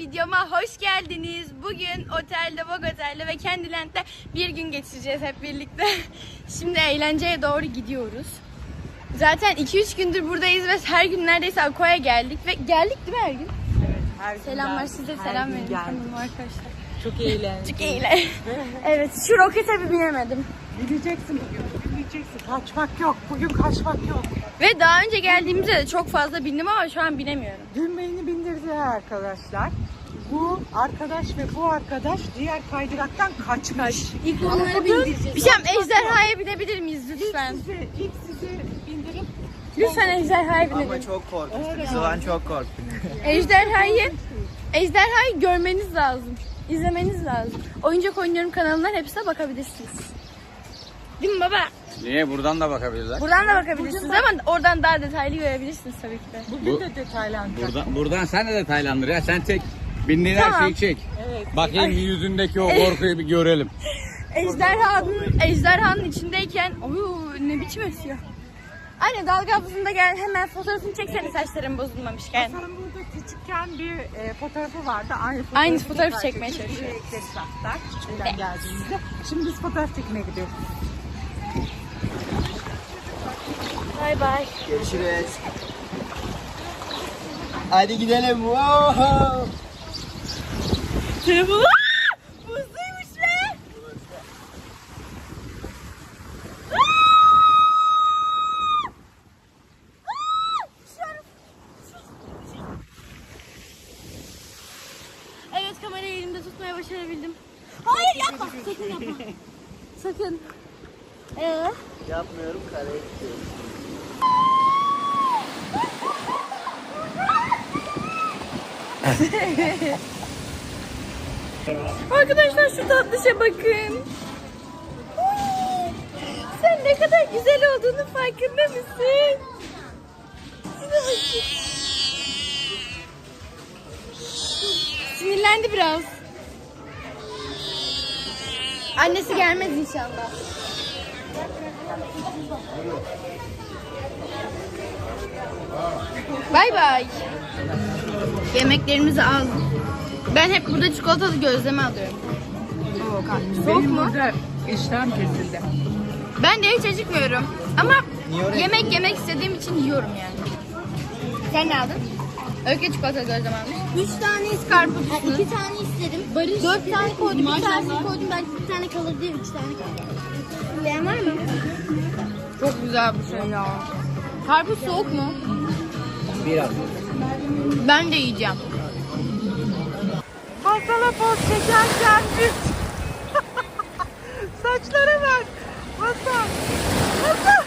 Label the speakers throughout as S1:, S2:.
S1: videoma hoş geldiniz. Bugün otelde, Vogue Otel'de ve Candyland'de bir gün geçireceğiz hep birlikte. Şimdi eğlenceye doğru gidiyoruz. Zaten 2-3 gündür buradayız ve her gün neredeyse Aqua'ya geldik ve geldik değil mi her gün?
S2: Evet, her gün
S1: Selamlar
S2: geldik,
S1: size,
S2: her
S1: selam
S2: gün
S1: verin
S2: geldik.
S1: kanalıma arkadaşlar.
S2: Çok eğlenceli.
S1: Çok eğlenceli. Evet, şu rokete bir binemedim.
S2: Bileceksin bugün, bileceksin. Kaçmak yok, bugün kaçmak yok.
S1: Ve daha önce geldiğimizde de çok fazla bindim ama şu an binemiyorum.
S2: Dün beni bindirdiler arkadaşlar. Bu arkadaş ve bu arkadaş diğer kaydıraktan kaçmış.
S1: İlk onları bindireceğiz. Bir şey ejderhaya binebilir miyiz lütfen?
S2: İlk sizi bindirip
S1: Lütfen ejderhaya binelim.
S3: Ama çok korkmuştuk. Sıvan çok korktuk.
S1: Ejderhayı görmeniz lazım. İzlemeniz lazım. Oyuncak oynuyorum kanalından hepsine bakabilirsiniz. Değil mi baba?
S3: Niye? Buradan da bakabilirler.
S1: Buradan da bakabilirsiniz ama oradan daha detaylı görebilirsiniz tabii ki de.
S2: bugün de detaylandıracak.
S3: Buradan sen de detaylandır ya. Sen çek. Bindiğin
S1: Tamam.
S3: her şeyi çek.
S2: Evet.
S3: Bakayım yüzündeki o korkuyu bir görelim.
S1: Ejderhanın içindeyken ne biçim esiyor. Anne dalga havuzunda gel hemen fotoğrafını çeksene saçların bozulmamışken.
S2: Hasan'ın burada küçükken bir fotoğrafı vardı.
S1: Aynı fotoğrafı çekmeye çalışıyor.
S2: Buraya ekleriz hatta küçükken geldiğimizde. Şimdi biz fotoğraf çekmeye gidiyoruz.
S1: Bay bay.
S3: Görüşürüz. Hadi gidelim. Wow.
S1: Telefonu. Buzluymuş be. Evet, kamerayı elimde tutmaya başarabildim. Hayır yapma. Sakın yapma. Sakın.
S3: Yapmıyorum, karaya gidiyorum.
S1: Arkadaşlar şu tatlışa bakın. Uy, sen ne kadar güzel olduğunu farkında mısın? Şuna bakın. Sinirlendi biraz. Annesi gelmez inşallah. Bay bay. Yemeklerimizi aldık. Ben hep burada çikolatalı gözleme alıyorum. Soğuk
S2: Benim
S1: mu?
S2: burada işlem kesildi.
S1: Ben de hiç acıkmıyorum. Ama
S3: Niye oraya
S1: yemek istediğim için yiyorum yani. Sen ne aldın? Öykü çikolatalı gözleme almış. 3 tane karpuz.
S4: 2 tane istedim. 4 tane koydum. Bir tanesini koydum. Belki bir tane kalır diye 3 tane kaldı. Bilen var mı?
S1: Çok güzel bu şey ya. Karpuz soğuk mu?
S3: Biraz.
S1: Ben de yiyeceğim.
S2: Hasan'a poz çekerken biz. Saçlara bak. Hasan. Hasan.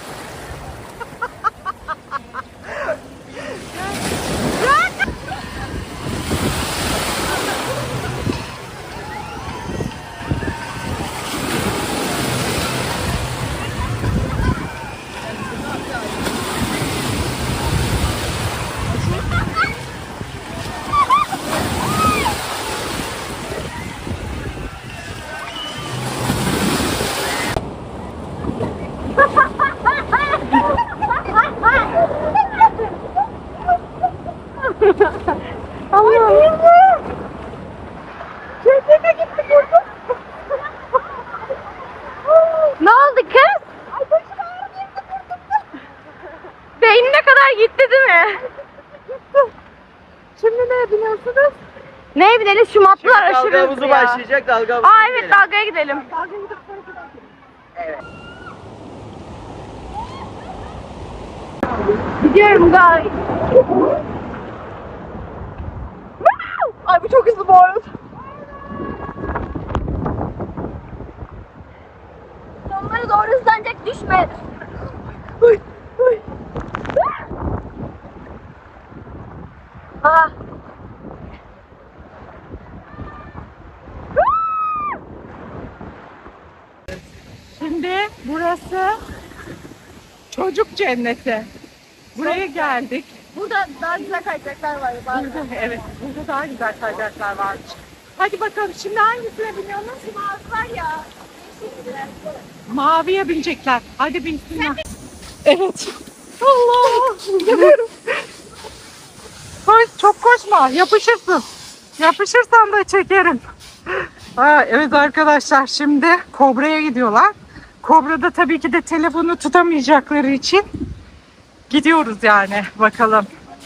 S1: Ne oldu kız? Beynine kadar gitti değil mi?
S2: Şimdi neye biniyorsunuz?
S1: Neye binelim? Şu matlar aşırı
S3: Dalga
S1: hızlı
S3: havuzu
S1: ya.
S3: başlayacak. Dalga havuzu.
S1: Aa evet, dalgaya gidelim. Gidiyorum gay. Ay bu çok hızlı bu arada. Sonlara doğru hızlanacak, düşme. Uy, uy. Aa.
S2: Şimdi burası çocuk cenneti. Buraya geldik.
S1: Burada daha güzel kayacaklar var.
S2: Burada, evet, burada daha güzel kayacaklar varmış. Hadi bakalım şimdi hangisine biniyorsunuz?
S1: Var ya.
S2: Maviye binecekler. Hadi binsinler. Evet. Allah! Gidiyorum. Koş, çok koşma, yapışırsın. Yapışırsan da çekerim. Evet arkadaşlar, şimdi Kobra'ya gidiyorlar. Kobra'da tabii ki de telefonu tutamayacakları için gidiyoruz yani. Bakalım.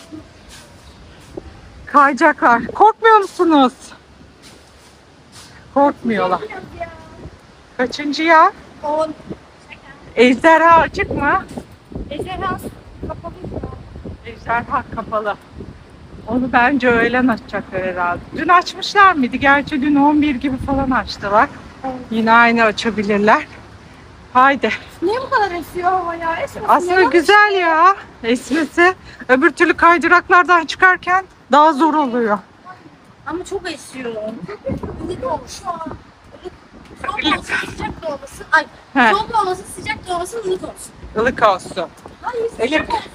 S2: Kayacaklar. Korkmuyor musunuz? Korkmuyorlar. Kaçıncı ya?
S1: 10.
S2: Ejderha açık mı?
S1: Ejderha kapalı.
S2: Ejderha kapalı. Onu bence öğlen açacaklar herhalde. Dün açmışlar mıydı? Gerçi dün 11 gibi falan açtılar. Yine aynı açabilirler. Haydi.
S1: Niye bu kadar esiyor hava ya? Esmesin
S2: Aslında
S1: ya.
S2: güzel ya esmesi. Öbür türlü kaydıraklardan çıkarken daha zor oluyor.
S1: Ama çok esiyor. Ilık olmuş. Soğuk olmasın, sıcak da olmasın. Ay,
S2: He.
S1: soğuk olmasın, sıcak da olmasın, ılık olsun.
S2: Ilık olsun.
S1: Hayır,
S2: Elif.
S1: sıcak olsun.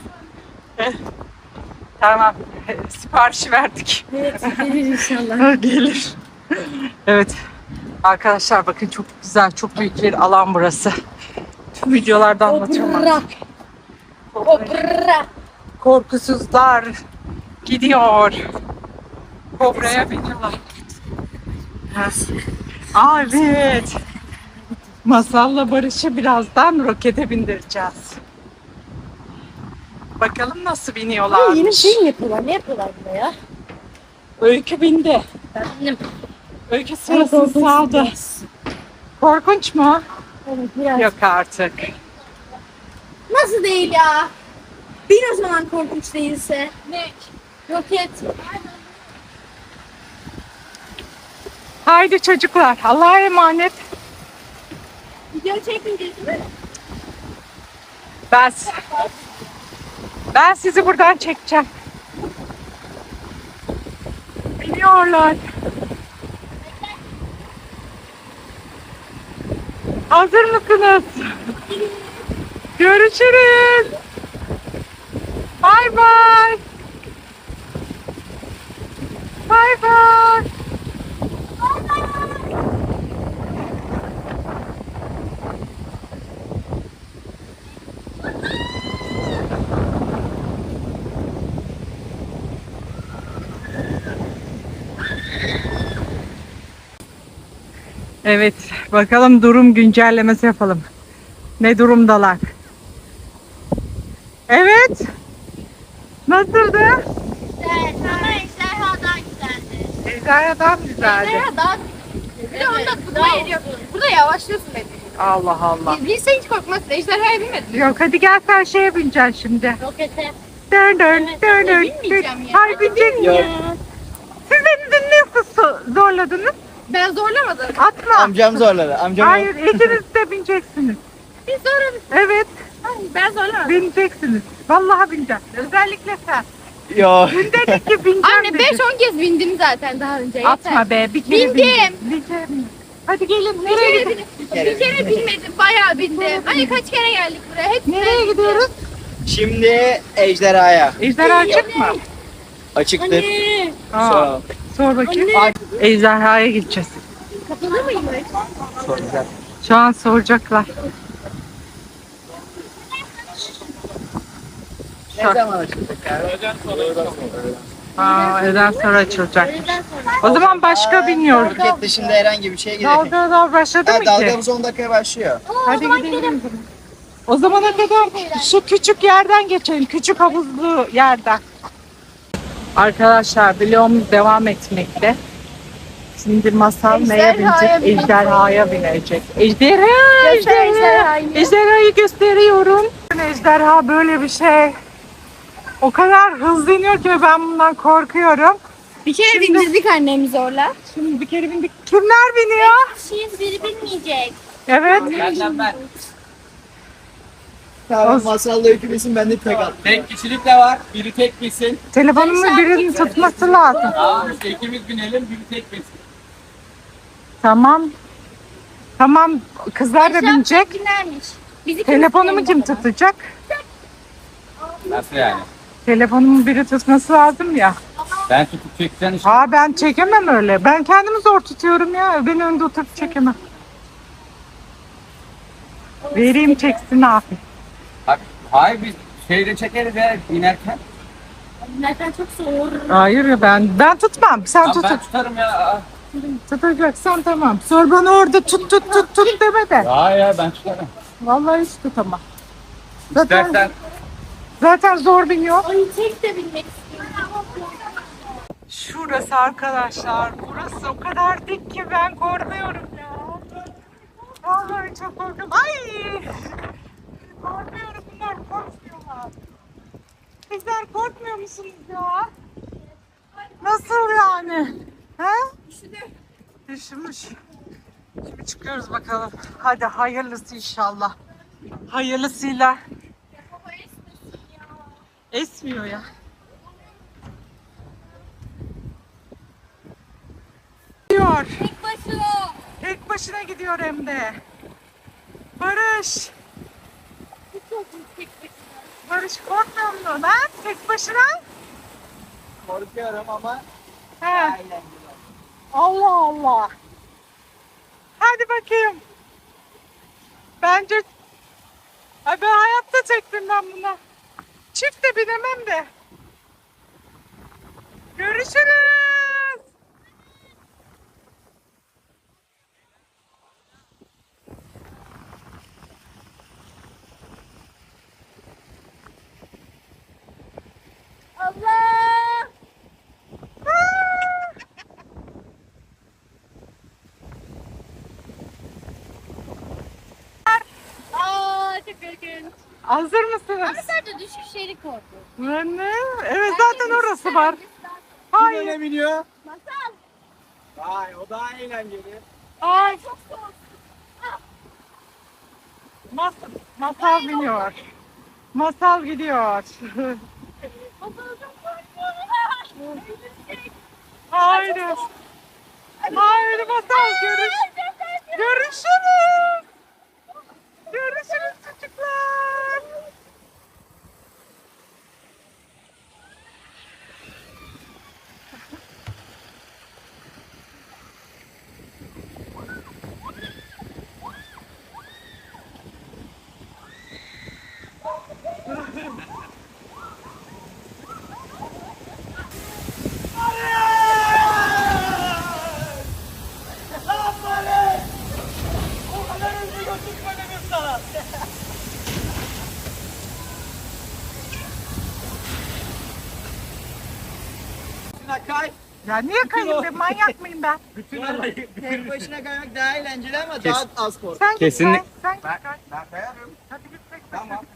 S2: Tamam. Siparişi verdik.
S1: Evet, gelir inşallah.
S2: Gelir. Evet. Arkadaşlar bakın, çok güzel, çok büyük bir alan burası. Tüm videolarda anlatıyorum.
S1: Obra.
S2: Korkusuzlar gidiyor. Kobra'ya biniyorlar. Evet. Masal'la Barış'ı birazdan rokete bindireceğiz. Bakalım nasıl biniyorlar.
S1: Yeni şey mi yapıyorlar? Ne yapıyorlar burada ya?
S2: Öykü bindi.
S1: Benim.
S2: Öykü sırasını saldı. Korkunç mu?
S1: Evet, biraz.
S2: Yok artık.
S1: Nasıl değil ya? Bir o zaman korkunç değilse. Ne? Roket.
S2: Haydi çocuklar, Allah'a emanet.
S1: Video çekmeyeceğiz değil mi?
S2: Ben sizi buradan çekeceğim. Biniyorlar. Hazır mısınız? Görüşürüz. Bay bay. Bay bay. Evet, bakalım durum güncellemesi yapalım. Ne durumdalar? Evet. Nasıldı?
S4: Evet, ama ejderhadan güzeldi.
S2: Ejderhadan güzeldi.
S1: Daha bir de onda tutma yeri yok. Burada yavaşlıyorsun beni.
S2: Allah Allah.
S1: Bilse hiç korkmazsın. Ejderhaya binmedin.
S2: Yok, hadi gel sen şeye bineceksin şimdi.
S4: Rokete.
S2: Dön dön
S4: Evet,
S2: dön dön.
S1: binmeyeceğim ya.
S2: Hayır, bineceksin.
S3: Yok.
S2: Siz beni dün nasıl zorladınız?
S1: Ben zorlamadım.
S2: Atma.
S3: Amcam zorladı. Amcam
S2: Hayır, ikiniz de bineceksiniz.
S1: Biz zorladık.
S2: Evet,
S1: Ben zorlamadım.
S2: bineceksiniz. Vallahi bineceğim. Özellikle sen.
S3: Yok.
S2: Dün dedik ki bineceğim
S1: Anne
S2: dedi.
S1: 5-10 kez bindim zaten daha önce. Yeter.
S2: Atma be, bir kere
S1: Bindim.
S2: Bir kere bindim. Hadi gelin, nereye gidiyoruz?
S1: Bir kere binmedim. Bayağı bindim. Hani kaç kere geldik buraya. Hep
S2: Nereye gidiyoruz?
S3: Şimdi ejderhaya.
S2: Ejderha açık mı?
S3: Açıktır.
S2: Aa,
S3: Sor.
S2: sor bakayım. Ejderhaya gideceğiz.
S1: kapalı mıymış?
S3: Soracak.
S2: Şu an soracaklar.
S3: Ne zaman açılacak abi?
S2: Öğleden sonra açılacak. O zaman başka biniyoruz.
S3: Roket dışında herhangi bir şeye gidelim.
S2: Dalga başladı mı ki?
S3: Dalgamız 10 dakikaya başlıyor.
S2: Hadi gidelim. O zamana kadar şu küçük yerden geçelim. Küçük havuzlu yerden. Arkadaşlar, vlogumuz devam etmekte. Şimdi Masal neye binecek? Ejderhaya binecek. Ejderha! Ejderhayı gösteriyorum. Ejderha böyle bir şey. O kadar hızlı iniyor ki ben bundan korkuyorum.
S1: Bir kere bindirdik annemi zorla.
S2: Şimdi bir kere bindik. Kimler biniyor?
S4: Kişiyiz, biri bilmeyecek.
S2: Evet.
S3: Ben. Tamam, masalla hükümesin, ben de tek al.
S5: Tek kişilik de var. Biri tek binsin.
S2: Telefonumu birinin tutması lazım.
S5: Tamam işte ikimiz binelim, biri tek binsin.
S2: Tamam. Tamam. Kızlar da binecek.
S4: Binlermiş. Bizi
S2: Telefonumu kim tutacak?
S5: Nasıl yani?
S2: Telefonumu biri tutması lazım ya.
S5: Ben tutup çeksen işte.
S2: Ben çekemem öyle. Ben kendimi zor tutuyorum ya. Beni önde oturup çekemem. Vereyim çeksin abi.
S5: Bak, hayır biz şeyde çekeriz ya inerken.
S4: Zaten çok soğuk.
S2: Hayır ya ben tutmam. Sen
S5: Tamam,
S2: tut.
S5: ben tutarım ya.
S2: Tutacaksan tamam. Sor bana orada tut deme de.
S5: Ya ben tutarım.
S2: Vallahi hiç tutamam.
S5: İstersen
S2: Zaten zor biniyor.
S4: Ay tek de binmek istiyorum.
S2: Şurası arkadaşlar. Burası o kadar dik ki ben korkuyorum ya. Vallahi çok korkuyorum. Ay! Korkuyorum, bunlar korkmuyorlar. Sizler korkmuyor musunuz ya? Nasıl yani? He? Üşümüş. Şimdi çıkıyoruz bakalım. Hadi hayırlısı inşallah. Hayırlısıyla. Esmiyor ya. Gidiyor.
S4: Tek başına.
S2: Tek başına gidiyor hem de. Barış. Barış korkmuyor musun ha? Tek başına?
S3: Korkuyorum ama
S2: He.
S3: eğlenceli.
S2: Allah Allah. Hadi bakayım. Bence ay ben hayatta çektim ben buna. Çift de binemem de. Görüşürüz.
S4: Allah. Aa çok korkunç.
S2: Hazır mısınız?
S4: Ama sadece düşüşleri korkunç.
S2: Ne? Evet zaten orası var.
S3: Kim
S2: Hayır.
S3: öne biniyor?
S4: Masal.
S3: Vay o daha eğlenceli.
S2: Ay.
S4: Çok soğuk.
S2: Masal biniyor. Masal gidiyor.
S4: Masal çok korkuyorum.
S2: Haydi. Haydi masal görüşürüz. Görüşürüz çocuklar.
S3: Şuna kay.
S2: Ya niye kayayım be, manyak mıyım ben?
S3: Tek başına kaymak daha eğlenceli ama daha az korku.
S2: Sen git
S5: Kesinlik-
S2: Sen git kay.
S3: Ben kayarım.
S2: Hadi git tek başına.
S3: Tamam.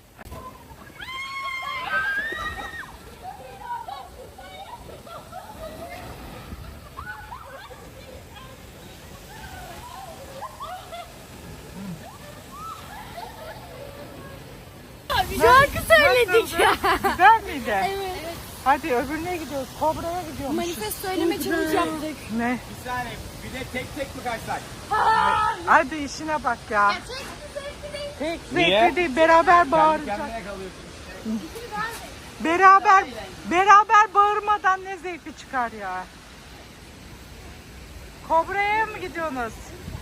S4: Şarkı söyledik ya.
S2: Güzel miydi?
S4: Evet.
S2: Hadi öbürüne gidiyoruz. Kobra'ya gidiyormuşuz.
S4: Manifest söyleme challenge yaptık.
S2: Ne?
S5: bir saniye. Bir de tek mi kaçsak?
S2: Hadi işine bak ya. Tek
S5: Niye?
S2: zevkli değil. Beraber
S5: Kendi
S2: bağıracak.
S5: kendine kalıyorsun.
S2: Beraber bağırmadan ne zevkli çıkar ya. Kobra'ya mı gidiyorsunuz?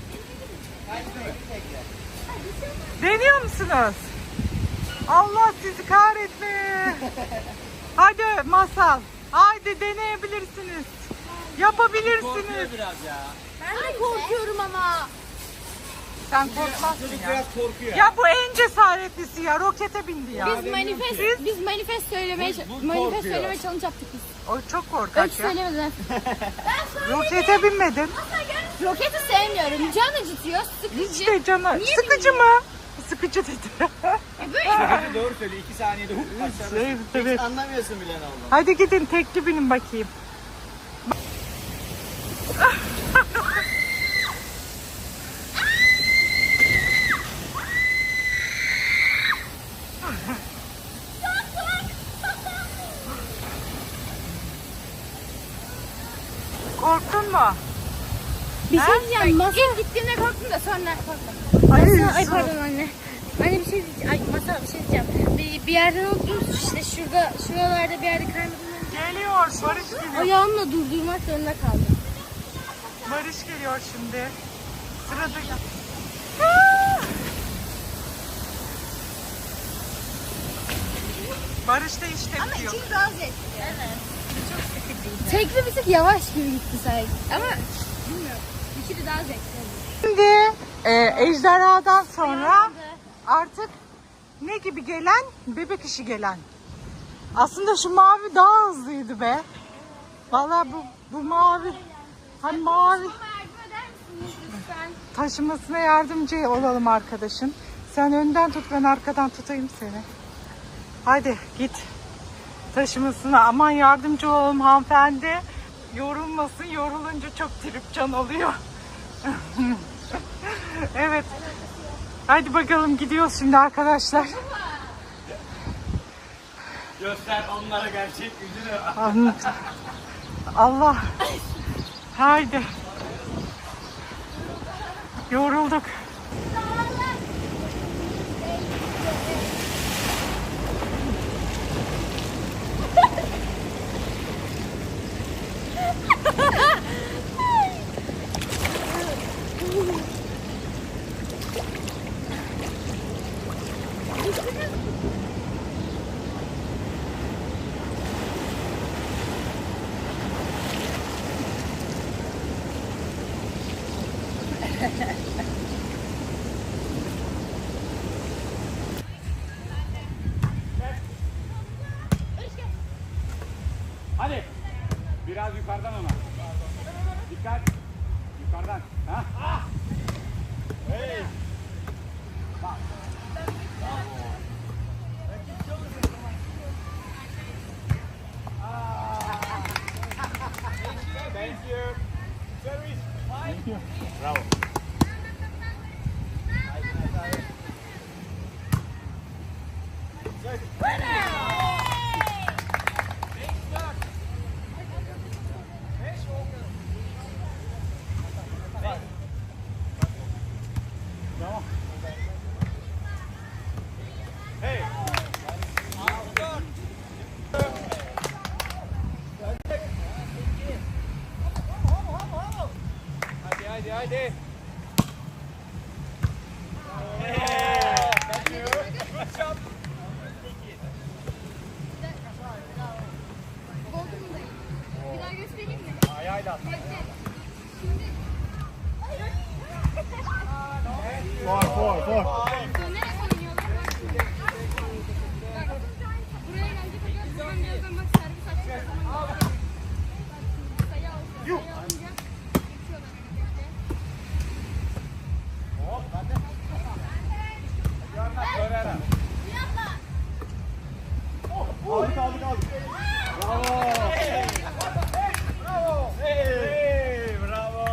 S2: Deniyor musunuz? Allah sizi kahretme. Hadi Masal. Haydi deneyebilirsiniz. Yapabilirsiniz.
S5: Korkuyor biraz ya.
S4: Ben de korkuyorum ama.
S2: Sen korkmazsın
S5: Çocuk
S2: ya.
S5: biraz korkuyor.
S2: Ya bu en cesaretlisi ya. Rokete bindi ya.
S4: Biz manifest söylemeye
S5: Bu
S4: manifest
S5: korkuyor.
S4: söyleme challenge yaptık biz.
S2: O çok korkak
S4: Öykü
S2: ya.
S4: söylemedi.
S2: Rokete binmedin.
S4: Roketi sevmiyorum. Can acıtıyor. Sıkıcı.
S2: İşte canı. Sıkıcı mı? Sıkıcı dedi.
S5: Çocuk doğru söylüyor. 2 saniyede hop aşağıda.
S2: Evet, evet.
S3: Anlamıyorsun bile ne olduğunu.
S2: Hadi gidin tekli binin bakayım. Korktun mu?
S4: Bir şey diyeceğim. İlk gittiğimde korktum da sonra korktum. Ay pardon anne. Anne bir şey diyeceğim. Ay Masal bir şey diyeceğim. Bir yerden oturmuş işte şuralarda bir yerde kaymadım.
S2: Geliyor. Barış geliyor.
S4: Ayağımla durdurmak zorunda kaldım.
S2: Barış geliyor şimdi. Sırada. Barış da işte
S1: Ama
S2: gidiyor.
S1: ikili daha zevkli. Evet. Çok sıkıcıydı. Tekli bir tık yavaş gibi gitti sanki. Ama bilmiyorum. İkili daha zevkli oldu.
S2: Şimdi ejderhadan sonra artık ne gibi gelen? Bebek işi gelen. Aslında şu mavi daha hızlıydı be. Vallahi bu mavi. Hani mavi.
S1: Yardım eder misiniz lütfen?
S2: Taşımasına yardımcı olalım arkadaşın. Sen önden tut, ben arkadan tutayım seni. Hadi git taşımasına. Aman yardımcı olalım hanımefendi. Yorulmasın. Yorulunca çok tripcan oluyor. Evet. Hadi bakalım gidiyoruz şimdi arkadaşlar.
S5: Göster onlara gerçek yüzünü.
S2: Allah. Haydi. Yorulduk.
S5: Hadi. Biraz yukarıdan ama. Dikkat. Yukarıdan. Ha? Hey. Thank you. Service. Thank you. Bravo. Hey. Hadi hadi. Thank you. Good job.
S1: Bir daha göstereyim mi?
S5: Ayağıyla at. For.
S1: Dönerek oynuyorlar. Bak. Buraya gelecek hocam. Buradan birazdan bak servis açacak. Sayı alınca geçiyorlar.
S5: Aldık. Bravo. Hey, bravo.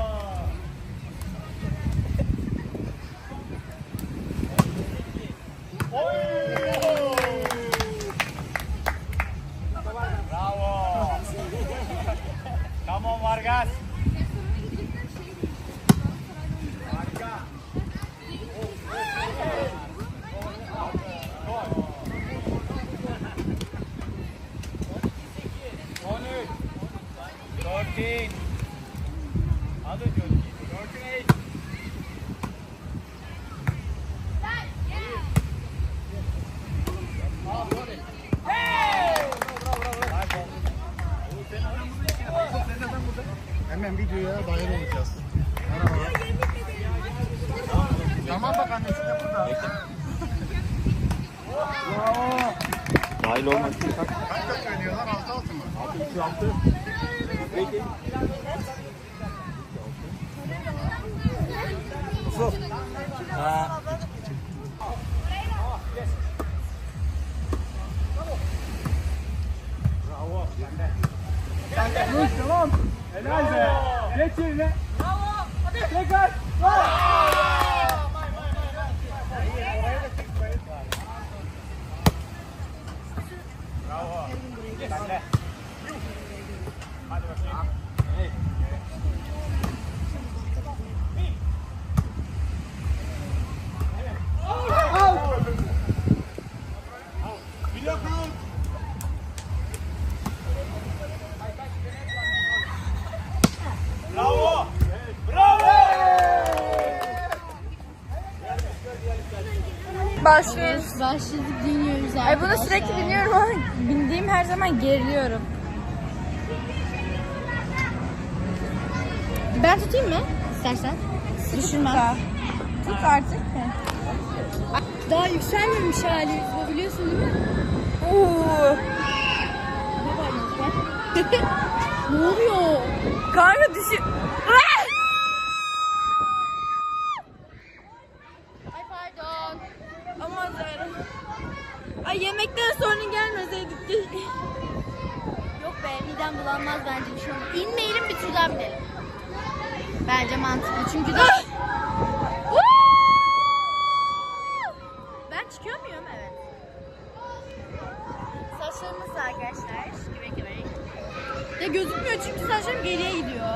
S5: Bravo. Come on Vargas. Harika. 13. Hadi Johnny. 14.
S6: Hemen videoya dahil olacağız. Merhaba. Tamam bak annesi de burada.
S5: Dahil olmak.
S6: Kaç kaç oynuyorlar? 6-6 mı?
S5: 6. Peki. Bravo. Tamam. Helal be. Geç yerine. Bravo. Hadi. Tekrar. Bravo. Sen de. Hadi bakayım. Hey. Bravo! Bravo!
S1: Başlıyoruz.
S4: Başladık dinliyoruz
S1: Ay bunu sürekli dinliyorum ama bindiğim her zaman geriliyorum.
S4: Ben tutayım mı? İstersen. Düşürmem.
S1: Tut artık.
S4: Daha yükselmemiş halimiz bu, biliyorsun değil mi?
S1: Oo.
S4: Ne oluyor?
S1: Kanka düşün.
S4: Ay pardon.
S1: Aman tanrım. Ay yemekten sonra gelmeseydik ki.
S4: Yok be, midem bulanmaz bence bir şey olmaz. İnmeyelim, bir tur daha binelim. Bence mantıklı çünkü de... Ben çıkıyor muyum? Evet. Saçlarımız da arkadaşlar. Güvek güvek.
S1: Ya gözükmüyor çünkü saçlarım geriye gidiyor.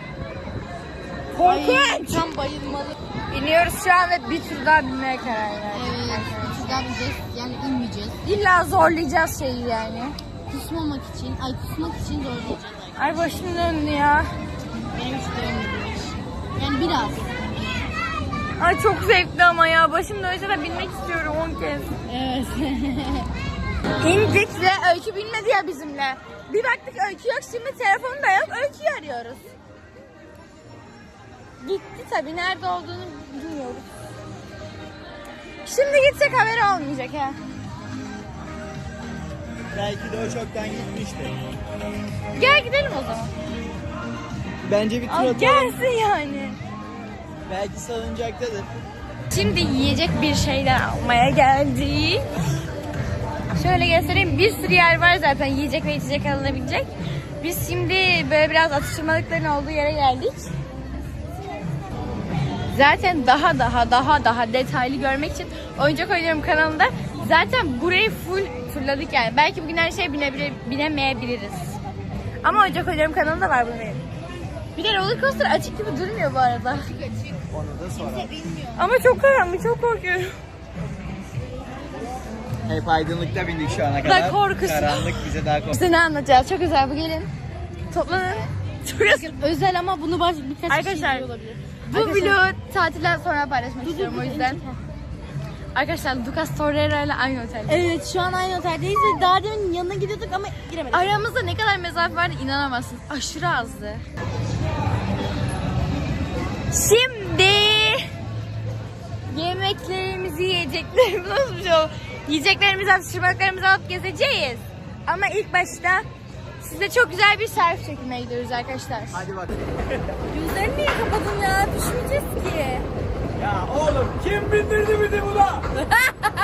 S4: Ay,
S1: Korkunç.
S4: tam bayılmalı.
S1: İniyoruz şu an ve bir tur daha binmeye karar verdik.
S4: Evet, bir tur daha bineceğiz. Yani inmeyeceğiz.
S1: İlla zorlayacağız şeyi yani.
S4: Kusmamak için, kusmak için zorlayacağız arkadaşlar.
S1: Ay başım döndü ya.
S4: Benim hiç dönmüyor. Yani biraz.
S1: Ay çok zevkli ama ya. Başım dönse de binmek istiyorum 10 kez.
S4: Evet.
S1: İndik ve Öykü binmedi ya bizimle. Bir baktık Öykü yok, şimdi telefonu da yok, Öykü'yü arıyoruz. Gitti tabii, nerede olduğunu bilmiyoruz. Şimdi gitsek haberi olmayacak ha.
S3: Belki de o çoktan gitmişti.
S1: Gel gidelim o zaman.
S3: Bence bir tur
S1: Al
S3: atalım.
S1: gelsin yani.
S3: Belki salıncaktadır.
S1: Şimdi yiyecek bir şeyler almaya geldik. Şöyle göstereyim, bir sürü yer var zaten yiyecek ve içecek alınabilecek. Biz şimdi böyle biraz atıştırmalıkların olduğu yere geldik. Zaten daha detaylı görmek için Oyuncak Oynuyorum kanalında zaten burayı full turladık yani. Belki bugün her şeye binemeyebiliriz. Ama Oyuncak Oynuyorum kanalında var bunun benim. Bir de roller coaster açık gibi durmuyor bu arada.
S3: Onu da sonra.
S1: Ama çok karanlık, çok korkuyorum.
S3: Hep aydınlıkta bindik şu ana kadar.
S1: korkusu.
S3: Karanlık bize daha korkusu.
S1: Size ne anlatacağız? Çok güzel, bu gelin. Toplanın. Çok güzel.
S4: Özel ama bunu birkaç
S1: Arkadaşlar,
S4: kişi olabilir.
S1: Bu vlogu tatilden sonra paylaşmak istiyorum o yüzden. Arkadaşlar Lucas Torreira ile aynı otelde.
S4: Evet, şu an aynı oteldeyiz ve daha demin yanına gidiyorduk ama giremedik.
S1: Aramızda ne kadar mesafe vardı inanamazsınız. Aşırı azdı. Şimdi yemeklerimizi, yiyeceklerimizi nasıl bir şey oldu? Yiyeceklerimizi, atıştırmalıklarımızı alıp gezeceğiz. Ama ilk başta size çok güzel bir selfie çekmeye gidiyoruz arkadaşlar.
S3: Hadi bak.
S1: Gözlerini niye kapadın ya? Düşmeyeceğiz ki.
S5: Ya oğlum kim bindirdi bizi buna?